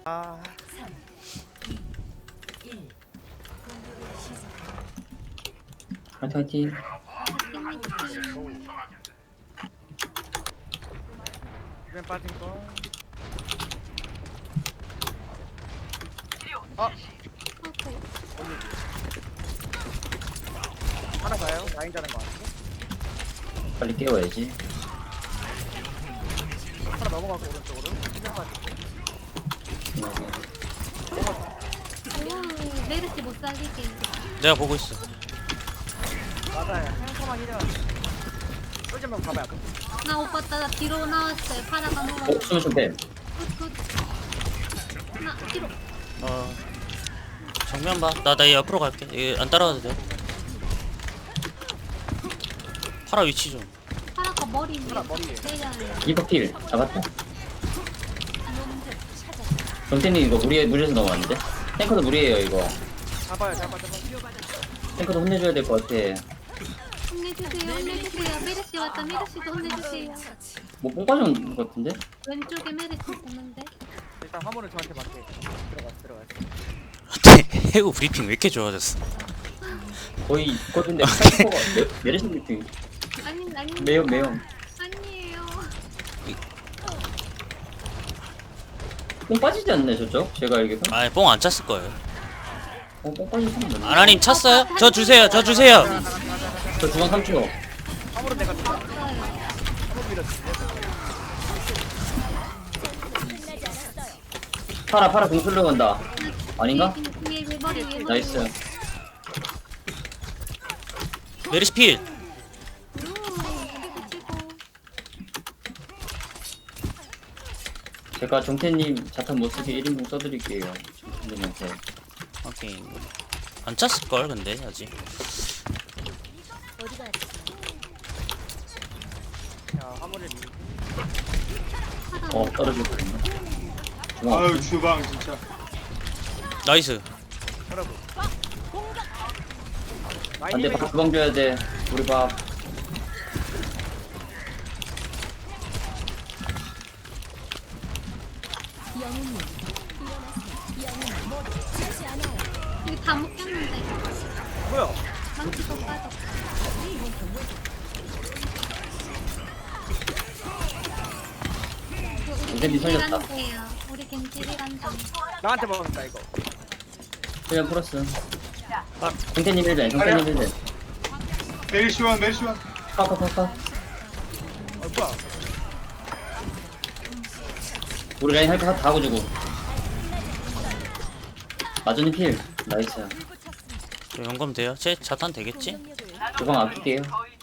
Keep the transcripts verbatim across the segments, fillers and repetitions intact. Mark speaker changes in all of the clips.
Speaker 1: 아,
Speaker 2: 화이팅 화이팅.
Speaker 1: 이번 빠진 거. 아, 하나 가요. 라인 자는 거 같은데.
Speaker 2: 빨리 깨워야지.
Speaker 1: 하나 넘어가고 오른쪽으로. 이번 빠진
Speaker 3: 오, 메르시 못 살리게.
Speaker 4: 내가 보고 있어.
Speaker 1: 거. 맞아요. 행성만 이려. 쫄지만 가봐요.
Speaker 3: 나 오빠 따라 뒤로 나왔어요. 파라가
Speaker 2: 어?
Speaker 3: 먹어.
Speaker 2: 수면 좀 빼.
Speaker 3: 굿, 굿. 나 뒤로.
Speaker 4: 어 정면 봐. 나 나 옆으로 갈게. 얘 안 따라가도 돼. 파라 위치 좀.
Speaker 3: 파라가 머리 위에.
Speaker 1: 파라 머리 위에.
Speaker 3: 내려요.
Speaker 2: 이거 필 잡았다. 정태님 이거 무리에 무리해서 넘어왔는데? 탱커도 무리해요 이거.
Speaker 1: 잡아요, 잡아, 잡아.
Speaker 2: 탱커도 혼내줘야 될 것 같아.
Speaker 3: 혼내주세요. 혼내주세요. 메르시 왔다. 메르시도 혼내주세요.
Speaker 2: 뭐뽕 빠진 것 같은데?
Speaker 3: 왼쪽에 메르시 오는데.
Speaker 1: 일단 화물을 저한테 맡게. 들어가, 들어가.
Speaker 4: 해우 브리핑 왜 이렇게 좋아졌어?
Speaker 2: 거의 있거든데 탱커가 메르시 브리핑.
Speaker 3: 아니 아니.
Speaker 2: 매형 매형.
Speaker 3: 아니에요.
Speaker 2: 뽕 빠지지 않네 저쪽? 제가 알기로.
Speaker 4: 아니 뽕 안 찼을 거예요.
Speaker 2: 어, 뽕 빠진 사람 없네.
Speaker 4: 아나님 찼어요? 저 주세요. 저 주세요.
Speaker 2: 저 주방 삼 초.
Speaker 1: 화물은 내가 들어.
Speaker 3: 없어요.
Speaker 1: 화물 밀었지.
Speaker 2: 파라 파라 공 쏠려 간다. 아닌가?
Speaker 3: 위에 위에 머리 위에 머리.
Speaker 2: 나이스.
Speaker 3: 위에.
Speaker 4: 메리시 필.
Speaker 3: 오, 메르시 치고.
Speaker 2: 제가 정태님 자탄 못쓰게 일 인분 써드릴게요. 정태님한테.
Speaker 4: 오케이. 안 찼을 걸 근데 아직.
Speaker 1: 자, 화물을 밀.
Speaker 2: 어 떨어졌거든요. 주방
Speaker 5: 아유 주방 진짜.
Speaker 4: 나이스.
Speaker 1: 여러분.
Speaker 2: 안돼 밥 주방 줘야 돼. 우리 밥.
Speaker 3: 여기 다 묶였는데.
Speaker 1: 뭐야?
Speaker 3: 망치도 빠졌어.
Speaker 2: 인센디 살렸다.
Speaker 3: 우리 겐지리 간다.
Speaker 1: 나한테 먹었다 이거.
Speaker 2: 그냥 풀었어. 정태님 일 벤. 정태님 일 벤.
Speaker 5: 메리시원 메리시원.
Speaker 2: 파파파파.
Speaker 1: 어 뭐야?
Speaker 2: 우리 라인 할 거 다 하고 주고. 마전이 필. 나이스.
Speaker 4: 저 연금 돼요? 제 자탄 되겠지?
Speaker 2: 주방 아낄게요.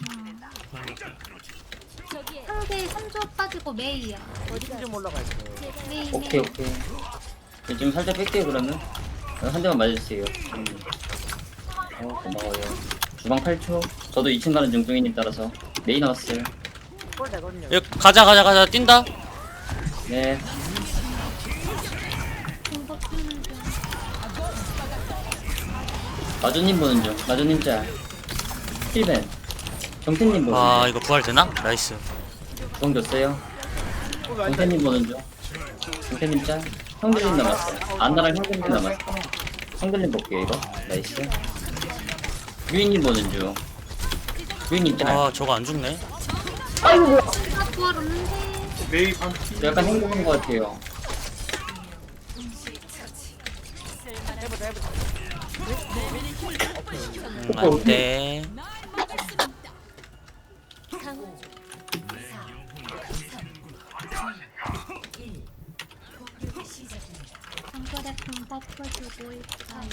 Speaker 3: 상대 삼 조 빠지고 메이야.
Speaker 1: 좀 올라가 있어.
Speaker 3: 메이
Speaker 2: 오케이
Speaker 3: 메이.
Speaker 2: 오케이. 네, 지금 살짝 뺄게요 그러면. 한 대만 맞아주세요. 음. 어 고마워요. 주방 팔 초. 저도 이 층 가는 중중이님 따라서 메이 나왔어요.
Speaker 1: 꼴 되거든요.
Speaker 4: 여기 가자 가자 가자 뛴다.
Speaker 2: 네.
Speaker 3: 공법 쓰는 중.
Speaker 2: 마주님 보는 중. 마주님 짤. 힐벤. 정태님 보는
Speaker 4: 아
Speaker 2: 중.
Speaker 4: 이거 부활 되나? 나이스.
Speaker 2: 주방 줬어요. 정태님 보는 중. 정태님 짤. 형들님 남았어요. 안나랑 형들님 남았어. 형들님 볼게요 이거. 나이스. 유인님 보는 중. 유인님 짤.
Speaker 4: 아 저거 안 죽네.
Speaker 2: 아이고 뭐야.
Speaker 3: 아 부활 없는데.
Speaker 5: 메이 반피.
Speaker 2: 저 약간 행복한 것 같아요.
Speaker 1: 해보자 해보자.
Speaker 4: 음, 안돼.
Speaker 3: 정글에 공법 퍼주고 있어요.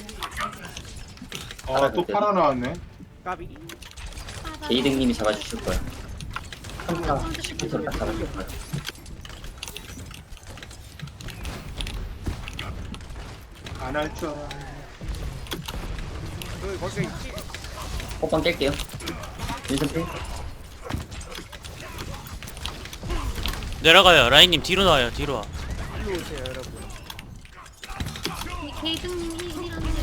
Speaker 5: 아또 파라 나왔네.
Speaker 1: 까비.
Speaker 2: 에이등님이 잡아주실 거야. 삼타 십 분 딱 잡아줄 거야.
Speaker 5: 안 할 줄 알아.
Speaker 1: 그 거기 있지.
Speaker 2: 호빵 깰게요. 윈선필.
Speaker 4: 내려가요. 라인님 뒤로 나와요. 뒤로 와.
Speaker 1: 일로 오세요 여러분.
Speaker 3: 게이등님 힐이라는데.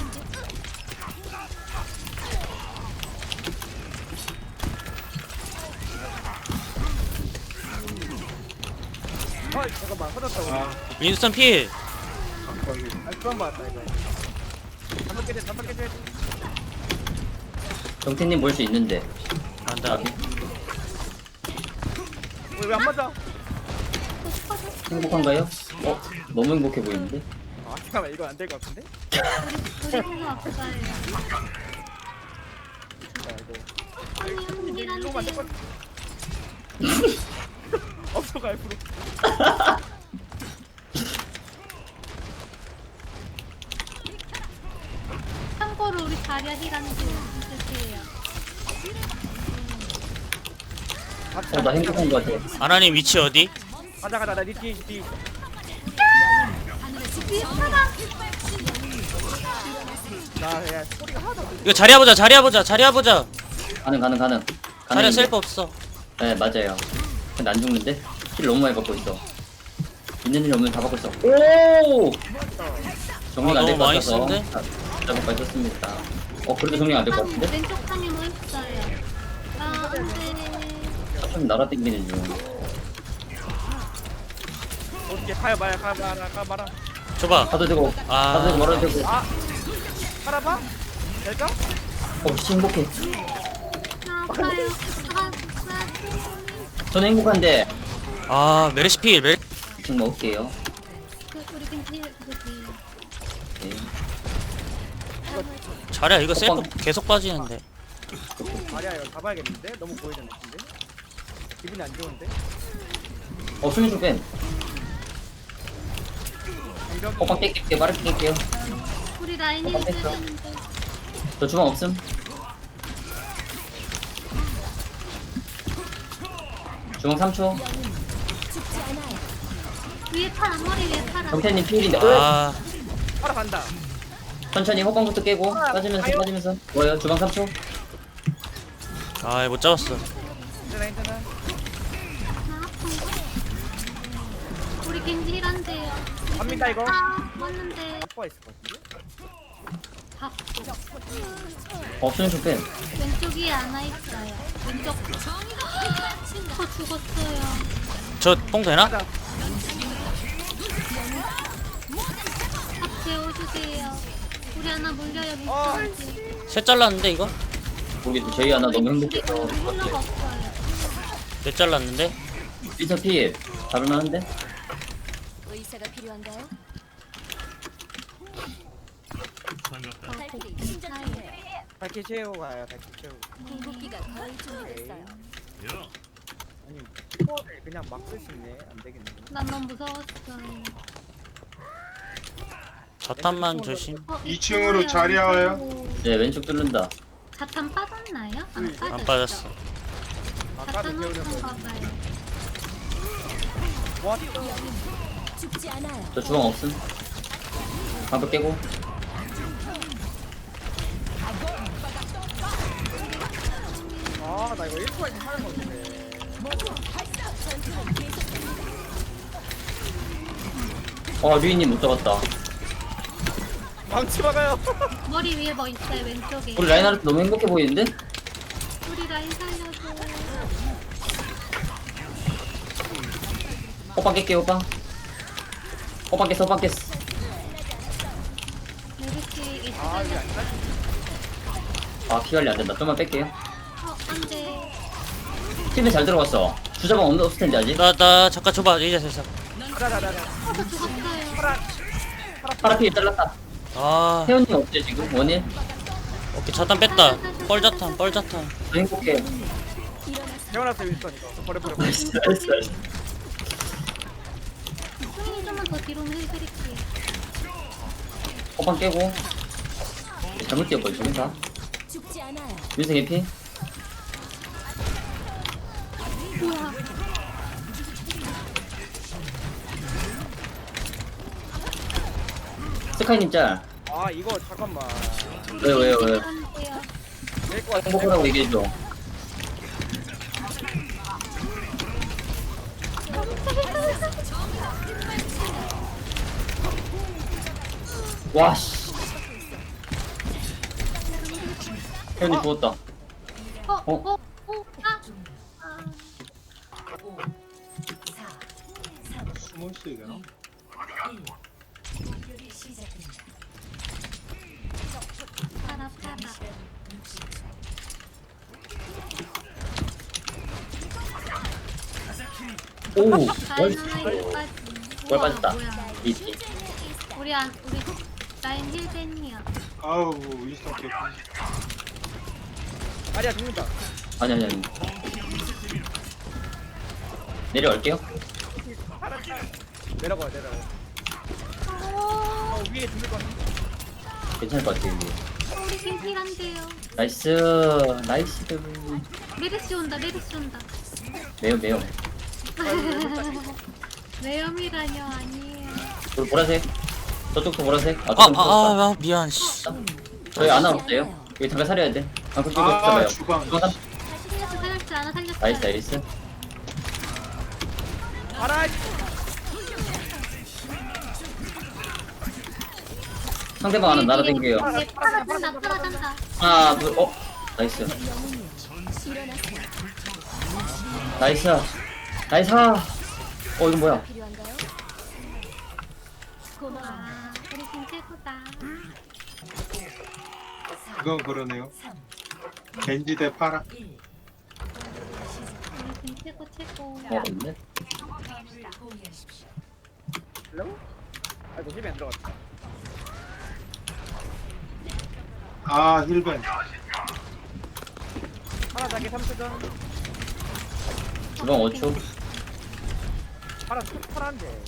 Speaker 1: 어 잠깐만 터졌다 우리.
Speaker 5: 아
Speaker 4: 윈스턴 필.
Speaker 5: 거기.
Speaker 1: 아 그만 봤다 이거. 다섯 개 돼, 다섯 개 돼.
Speaker 2: 정태님 볼 수 있는데.
Speaker 4: 안다.
Speaker 1: 왜안 맞아?
Speaker 2: 행복한가요? 어? 너무 행복해 보이는데?
Speaker 1: 아 잠깐만 이거 안 될 것 같은데?
Speaker 3: 우리 우리 아빠예요.
Speaker 1: 자 이거.
Speaker 3: 아니
Speaker 1: 일로 만들 거.
Speaker 3: 언니란데.
Speaker 1: 없어가 앞으로.
Speaker 3: 참고로 우리 다리아 힐하는 중 있으세요.
Speaker 2: 어, 나 행복한 거 같아.
Speaker 4: 아나님 위치 어디?
Speaker 1: 가자 가자 나니 뒤에 뒤에.
Speaker 3: 위에 파라.
Speaker 1: 나야 소리가 하나도 안 들려.
Speaker 4: 이거 자리야 보자. 자리야 보자. 자리야 보자.
Speaker 2: 가능, 가능, 가능.
Speaker 4: 자리야
Speaker 2: 가능인데?
Speaker 4: 셀프 없어.
Speaker 2: 네, 맞아요. 근데 안 죽는데? 킬 너무 많이 받고 있어. 있는 일 없는 다 받고 있어. 오! 정리가
Speaker 4: 아,
Speaker 2: 안 될
Speaker 4: 너무
Speaker 2: 것
Speaker 4: 많이
Speaker 2: 같아서.
Speaker 4: 쓰는데?
Speaker 2: 잡을 거 있었습니다. 어, 그래도 정리가 안 될 것
Speaker 3: 한
Speaker 2: 같은데?
Speaker 3: 왼쪽 방에 뭐 있어요? 아 안돼.
Speaker 2: 좀 날아다니는 중.
Speaker 1: 어떻게 가야 마야 가야 마라 가야 마라.
Speaker 4: 줘봐.
Speaker 2: 가도 되고,
Speaker 4: 아.
Speaker 2: 가도 되고, 말아도 되고.
Speaker 1: 아 살아봐? 될까?
Speaker 2: 어, 씨, 행복해.
Speaker 3: 나 아파요. 아,
Speaker 2: 저는 행복한데.
Speaker 4: 아 메르시필. 메.
Speaker 2: 지금 먹을게요.
Speaker 3: 그 우리 근데 그지.
Speaker 2: 네.
Speaker 4: 자리야 이거 셀프 계속 빠지는데.
Speaker 1: 아니야 이거 잡아야겠는데? 너무 보이는 느낌인데? 기분이 안 좋은데?
Speaker 2: 어, 수면 좀 뺀.
Speaker 1: 장벽이
Speaker 2: 호빵 깰게요. 빠르게 깰게요.
Speaker 3: 우리 라인이
Speaker 2: 어, 됐어.
Speaker 3: 있는데.
Speaker 2: 저 주방 없음. 주방 삼 초.
Speaker 3: 위에 파라 머리 위에 파라.
Speaker 2: 정태님 필인데. 어?
Speaker 4: 아
Speaker 1: 하러 간다.
Speaker 2: 천천히 호빵부터 깨고 빠지면서 빠지면서. 뭐예요? 주방 삼 초.
Speaker 4: 아, 못 잡았어.
Speaker 1: 괜찮아 괜찮아.
Speaker 3: 나 아픈 거. 우리 겐지 힐한데요.
Speaker 1: 갑니다 이거.
Speaker 3: 아 왔는데.
Speaker 1: 아빠가 있을 것 같은데?
Speaker 3: 밥.
Speaker 2: 어, 수면 좀 뺀.
Speaker 3: 왼쪽 위에 하나 있어요. 왼쪽. 저 죽었어요.
Speaker 4: 저 뽕 되나?
Speaker 1: 가자.
Speaker 3: 밥 재워주세요. 우리 하나 물려요
Speaker 1: 어.
Speaker 3: 왼쪽까지.
Speaker 4: 셋 잘랐는데 이거?
Speaker 2: 모르겠어. 저희 하나 너무 행복해서.
Speaker 3: 우리 훌러가 없어요.
Speaker 4: 넷 잘랐는데?
Speaker 2: 피터 필. 잡을만한데?
Speaker 6: 의사가 필요한가요?
Speaker 3: 아,
Speaker 6: 발길이
Speaker 3: 복
Speaker 6: 충전이에요.
Speaker 1: 밝게 채우고 가요 밝게 채우고.
Speaker 6: 궁극기가 거의 준비됐어요.
Speaker 1: 아니 코어를 그냥 막 쓸 수 있네. 안 되겠네.
Speaker 3: 난 너무 무서웠어요.
Speaker 4: 자탄만 조심.
Speaker 3: 어,
Speaker 5: 이 층으로
Speaker 3: 있어요.
Speaker 5: 자리 와요?
Speaker 2: 네, 왼쪽 뚫는다.
Speaker 3: 자탄 빠졌나요? 안 빠졌죠?
Speaker 4: 안 빠졌어.
Speaker 1: 아까도
Speaker 3: 자탄
Speaker 1: 배우는
Speaker 3: 없던
Speaker 1: 거.
Speaker 3: 봐봐요.
Speaker 1: 뭐?
Speaker 6: 죽지 않아요.
Speaker 2: 저 주방 없음. 방벽 깨고.
Speaker 1: 아나 이거 일 초에 하는 건데.
Speaker 2: 어, 류이님 못 잡았다.
Speaker 1: 망치 막아요.
Speaker 3: 머리 위에 뭐 있어요? 왼쪽에.
Speaker 2: 우리 라인하르트 너무 행복해 보이는데?
Speaker 3: 우리 라인 살려줘.
Speaker 2: 호빵 깰게요, 호빵. 호빵 깼어, 호빵 깼어.
Speaker 3: 메르시 이제
Speaker 1: 아 이게
Speaker 3: 살려.
Speaker 1: 안 돼.
Speaker 2: 아, 피 관리 안 된다. 좀만 뺄게요.
Speaker 3: 어, 안 돼.
Speaker 2: 팀에 잘 들어갔어. 주자방 없는 없을 텐데, 아직.
Speaker 4: 나, 나 잠깐 줘봐. 이제 됐어.
Speaker 1: 가자 가자 가자.
Speaker 3: 어, 저 죽었어요.
Speaker 1: 파라.
Speaker 2: 파라피 잘랐다.
Speaker 4: 아,
Speaker 2: 태연님 어때, 지금? 원일?
Speaker 4: 오케이. 자탄 뺐다. 뻘자탄, 뻘자탄.
Speaker 2: 저 행복해.
Speaker 1: 태어났어 윈스턴 이거. 버려 버려.
Speaker 2: 나이스, 나이스, 나이스.
Speaker 3: 수민이 좀만 더 뒤로는 해드릴게요.
Speaker 2: 호빵 깨고. 잘못 뛰었거든, 다.
Speaker 6: 죽지 않아요.
Speaker 2: 윤승 해피.
Speaker 3: 우와.
Speaker 2: 스카이님 짤.
Speaker 1: 아 이거 잠깐만.
Speaker 2: 왜요, 왜요, 왜요?
Speaker 3: 안돼요.
Speaker 1: 될것 같은데.
Speaker 2: 행복하라고 얘기해줘. 와, 씨. 태연이 죽었다.
Speaker 3: 어, 어, 어, 어, 아. 아.
Speaker 5: 숨을 수 있나?
Speaker 3: 팔아 팔아.
Speaker 2: 오,
Speaker 3: 다이너마이트 빠지.
Speaker 2: 뭘
Speaker 3: 우와,
Speaker 2: 빠졌다.
Speaker 3: 뭐야.
Speaker 2: 이지.
Speaker 3: 우리 안 우리 라인 힐벤이야.
Speaker 5: 아우 윈스턴 개피.
Speaker 1: 아리야 죽는다.
Speaker 2: 아니 아니 아니. 내려올게요.
Speaker 1: 내려가 내려가. 어 위에 죽을 것 같아.
Speaker 2: 괜찮을 것 같아요. 이게.
Speaker 3: 우리 힐힐한데요.
Speaker 2: 나이스, 나이스.
Speaker 3: 메르시 온다 메르시 온다.
Speaker 2: 매우 매우.
Speaker 3: 매염이라뇨 아니에요.
Speaker 2: 우리 보라색. 저쪽도 보라색. 아,
Speaker 4: 아,
Speaker 2: 저쪽
Speaker 4: 아,
Speaker 2: 보라색.
Speaker 4: 아, 아 미안. 씨.
Speaker 2: 저희 안 없어요. 여기 잠깐 살려야 돼. 아, 그쪽
Speaker 5: 아
Speaker 2: 잡아요.
Speaker 5: 주방.
Speaker 2: 주방 삼.
Speaker 3: 살렸어 살렸지 않아 살렸어.
Speaker 2: 나이스, 나이스.
Speaker 1: 알아.
Speaker 2: 상대방 하나 날아댕겨요.
Speaker 3: 얘 팔아간다 팔아간다.
Speaker 2: 하나, 둘, 어? 나이스.
Speaker 6: 일어나세요.
Speaker 2: 나이스. 나이스. 어, 이건 뭐야?
Speaker 6: 필요한가요? 고마워.
Speaker 3: 아 우리 팀 최고다.
Speaker 5: 그건 그러네요. 겐지 대 파라.
Speaker 3: 우리 팀 최고 최고.
Speaker 2: 어, 없네.
Speaker 1: 헬로? 아이고 힘이 안 들어갔다.
Speaker 5: 아 힐벤.
Speaker 1: 하나 자기 삼 초 전.
Speaker 2: 주방 오 초.
Speaker 1: 하나 파란데.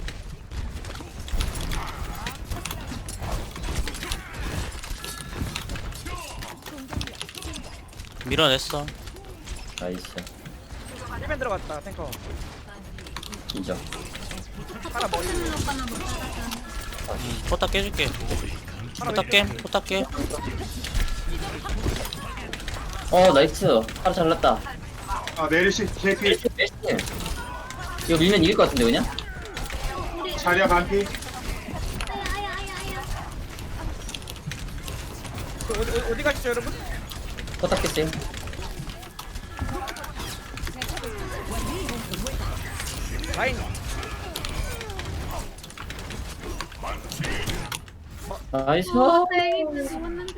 Speaker 4: 밀어냈어.
Speaker 2: 나이스.
Speaker 1: 힘이 들어갔다 탱커.
Speaker 2: 인정.
Speaker 1: 하나 머리.
Speaker 3: 포트는 오빠나 못 따라가.
Speaker 4: 음, 포탑 깨줄게. 포탑 깨, 포탑 깨.
Speaker 2: 어, 나이스. 하루 잘났다.
Speaker 5: 아 메르시 개피.
Speaker 2: 베스트. 이거 밀면 이길 것 같은데, 그냥?
Speaker 3: 우리
Speaker 5: 자리야 반피.
Speaker 3: 아야 아야 아야 아야.
Speaker 1: 그 어디 어디- 어디 가시죠 여러분?
Speaker 2: 포탑겠어요.
Speaker 1: 라인.
Speaker 2: 나이스.
Speaker 3: 어, 다행이다. 죽었는데.